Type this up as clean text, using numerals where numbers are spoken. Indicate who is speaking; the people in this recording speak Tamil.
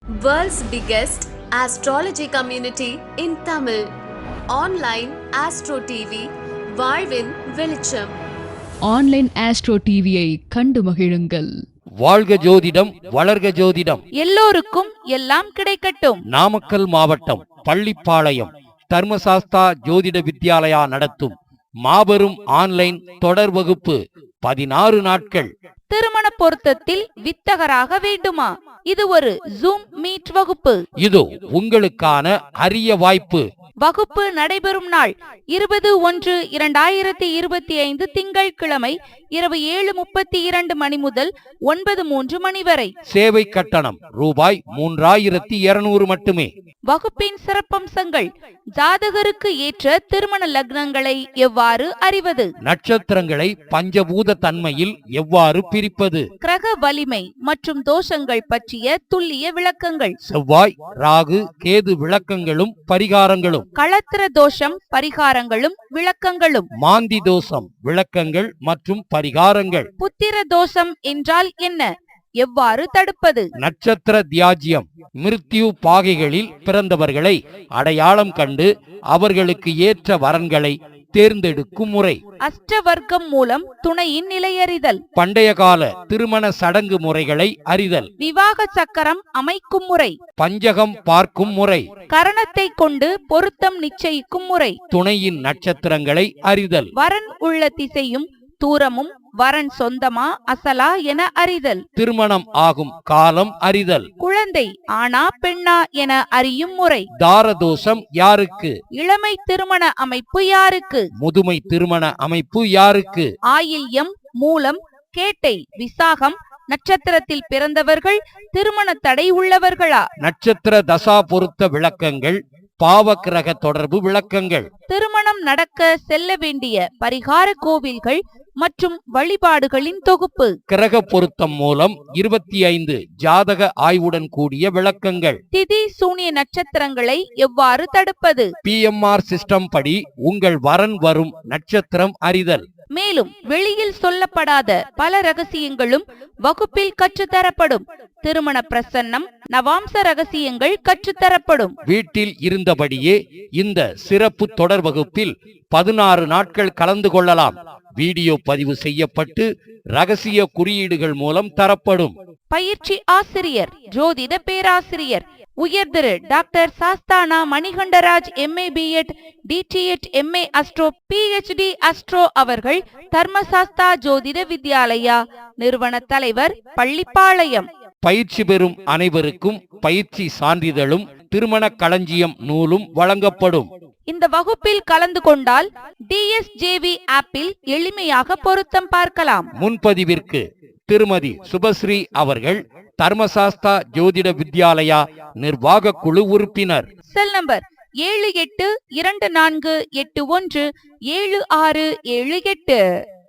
Speaker 1: World's biggest astrology community in Tamil. Online Astro TV, வாழ்வின் வெளிச்சம்.
Speaker 2: ஆன்லைன் ஆஸ்ட்ரோ டிவியை கண்டு மகிழுங்கள்.
Speaker 3: வாழ்க ஜோதிடம், வளர்க ஜோதிடம்,
Speaker 4: எல்லோருக்கும் எல்லாம் கிடைக்கட்டும்.
Speaker 3: நாமக்கல் மாவட்டம் பள்ளிப்பாளையம் தர்மசாஸ்தா ஜோதிட வித்யாலயா நடத்தும் மாபெரும் ஆன்லைன் தொடர் வகுப்பு 16 நாட்கள்.
Speaker 4: திருமண பொருத்தத்தில் வித்தகராக வேண்டுமா? இது ஒரு ஜூம் மீட் வகுப்பு.
Speaker 3: இதோ உங்களுக்கான அரிய வாய்ப்பு.
Speaker 4: வகுப்பு நடைபெறும் நாள் 20/1/2025 திங்கட்கிழமை இரவு 7:32 மணி முதல் 9:03 மணி வரை.
Speaker 3: சேவை கட்டணம் ரூபாய் 3200 மட்டுமே.
Speaker 4: வகுப்பின் சிறப்பம்சங்கள்: ஜாதகருக்கு ஏற்ற திருமண லக்னங்களை எவ்வாறு அறிவது,
Speaker 3: நட்சத்திரங்களை பஞ்சபூத தன்மையில் எவ்வாறு பிரிப்பது,
Speaker 4: கிரக வலிமை மற்றும் தோஷங்கள் பற்றிய துல்லிய விளக்கங்கள்,
Speaker 3: செவ்வாய் ராகு கேது விளக்கங்களும் பரிகாரங்களும்,
Speaker 4: களத்திர தோஷம் பரிகாரங்களும் விளக்கங்களும்,
Speaker 3: மாந்தி தோஷம் விளக்கங்கள் மற்றும் பரிகாரங்கள்,
Speaker 4: புத்திர தோஷம் என்றால் என்ன, எவ்வாறு தடுப்பது,
Speaker 3: நட்சத்திர தியாஜ்யம் மிருத்யு பாகைகளில் பிறந்தவர்களை அடையாளம் கண்டு அவர்களுக்கு ஏற்ற வரன்களை தேர்ந்தெடுக்கும் முறை,
Speaker 4: அஷ்டவர்க்கம் மூலம் துணையின் நிலையறிதல்,
Speaker 3: பண்டைய கால திருமண சடங்கு முறைகளை அறிதல்,
Speaker 4: விவாக சக்கரம் அமைக்கும் முறை,
Speaker 3: பஞ்சகம் பார்க்கும் முறை,
Speaker 4: கரணத்தை கொண்டு பொருத்தம் நிச்சயிக்கும் முறை,
Speaker 3: துணையின் நட்சத்திரங்களை அறிதல்,
Speaker 4: வரன் உள்ள திசையும் தூரமும் வரன் சொந்தமா அசலா என அறிதல்,
Speaker 3: திருமணம் ஆகும் காலம் அறிதல்,
Speaker 4: குழந்தை ஆனா பெண்ணா என அறியும் முறை,
Speaker 3: தாரதோஷம் யாருக்கு,
Speaker 4: இளமை திருமண அமைப்பு யாருக்கு,
Speaker 3: முதுமை திருமண அமைப்பு யாருக்கு,
Speaker 4: ஆயில்யம் மூலம் கேட்டை விசாகம் நட்சத்திரத்தில் பிறந்தவர்கள் திருமண தடை உள்ளவர்களா,
Speaker 3: நட்சத்திர தசா பொருத்த விளக்கங்கள், பாவக்கிரக தொடர்பு விளக்கங்கள்,
Speaker 4: திருமணம் நடக்க செல்ல வேண்டிய பரிகார கோவில்கள் மற்றும் வழிபாடுகளின் தொகுப்பு,
Speaker 3: கிரக பொருத்தம் மூலம் 25 ஜாதக ஆய்வுடன் கூடிய விளக்கங்கள்,
Speaker 4: திதி சூனிய நட்சத்திரங்களை எவ்வாறு தடுப்பது,
Speaker 3: PMR சிஸ்டம் படி உங்கள் வரன் வரும் நட்சத்திரம் அறிதல்,
Speaker 4: மேலும் வெளியில் சொல்லப்படாத பல ரகசியங்களும் வகுப்பில் கற்றுத்தரப்படும். திருமண பிரசன்னம் நவாம்ச ரகசியங்கள் கற்றுத்தரப்படும்.
Speaker 3: வீட்டில் இருந்தபடியே இந்த சிறப்பு தொடர் வகுப்பில் 16 நாட்கள் கலந்து கொள்ளலாம். வீடியோ பதிவு செய்யப்பட்டு ரகசிய குறியீடுகள் மூலம் தரப்படும்.
Speaker 4: பயிற்சி ஆசிரியர் ஜோதிட பேராசிரியர் உயர்திரு டாக்டர் சாஸ்தானா Manikandaraj MA B.Ed DTEd MA astro PhD astro அவர்கள் தர்மசாஸ்தா ஜோதிட வித்யாலயா நிறுவன தலைவர் பள்ளிப்பாளையம்.
Speaker 3: பயிற்சி பெறும் அனைவருக்கும் பயிற்சி சான்றிதழும் திருமண களஞ்சியம் நூலும் வழங்கப்படும்.
Speaker 4: இந்த வகுப்பில் கலந்து கொண்டால் DSJV ஆப்பில் எளிமையாக பொருத்தம் பார்க்கலாம்.
Speaker 3: முன்பதிவிற்கு திருமதி சுபஸ்ரீ அவர்கள் தர்மசாஸ்தா ஜோதிட வித்யாலயா நிர்வாக குழு உறுப்பினர்.
Speaker 4: Cell number 7824817678.